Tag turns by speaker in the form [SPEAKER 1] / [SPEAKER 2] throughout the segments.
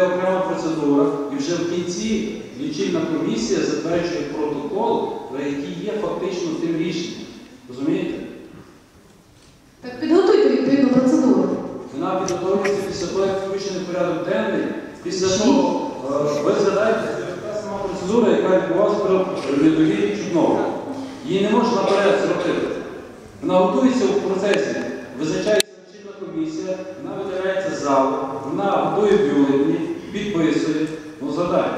[SPEAKER 1] окрема процедура, і вже в кінці лічильна комісія затверджує протокол, який є фактично тим рішенням. Розумієте?
[SPEAKER 2] Так підготуйте відповідну процедуру.
[SPEAKER 1] Вона підготовлюється після того, як включений порядок денний. Після того, ви згадаєте, це така сама процедура, яка відбувалася при недовірі Чуднового. Її не можна наперед зробити. Вона готується у процесі, визначається лічильна комісія, вона видаляється з залу, вона готує бюлетені, підписує. Ну, згадайте.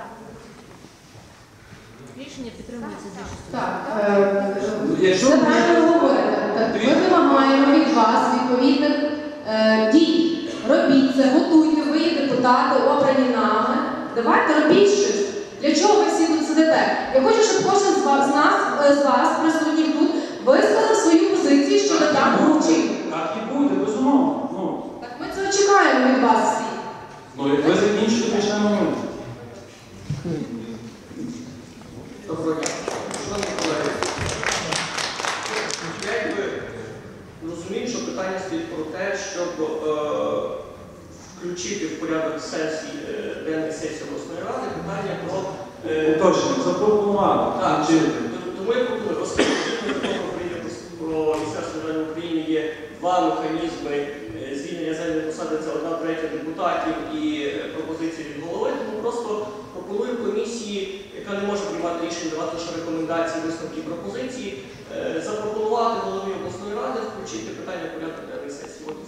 [SPEAKER 3] Рішення підтримується більшістю.
[SPEAKER 2] Так, це правильно говорите. Ми вимагаємо від вас відповідних дій. Робіть це, готуйте, ви є депутати, обрані нами. Давайте робіть щось. Для чого ви всі тут сидите? Я хочу, щоб кожен з вас, присутніх тут, висказав свою позицію щодо даного вчинку.
[SPEAKER 1] Так і буде, безумовно. Ну.
[SPEAKER 2] Так ми цього чекаємо від вас всіх.
[SPEAKER 1] Ну, як ви закінчите, почнемо ми.
[SPEAKER 4] Доброго дня. Шановні колеги, я якби розумію, що питання стоїть про те, щоб включити в порядок сесії, денної сесії обласної ради, питання про...
[SPEAKER 1] Точно, запропонувати.
[SPEAKER 4] Так, тому я пропоную, оскільки Закон України про Міністерство державної України є два механізми звільнення земельної посади, це 1/3 депутатів і пропозиції від голови, тому просто пропоную комісії, яка не може приймати рішення, давати лише рекомендації, висновки і пропозиції, запропонувати голові обласної ради включити питання в порядок денної сесії.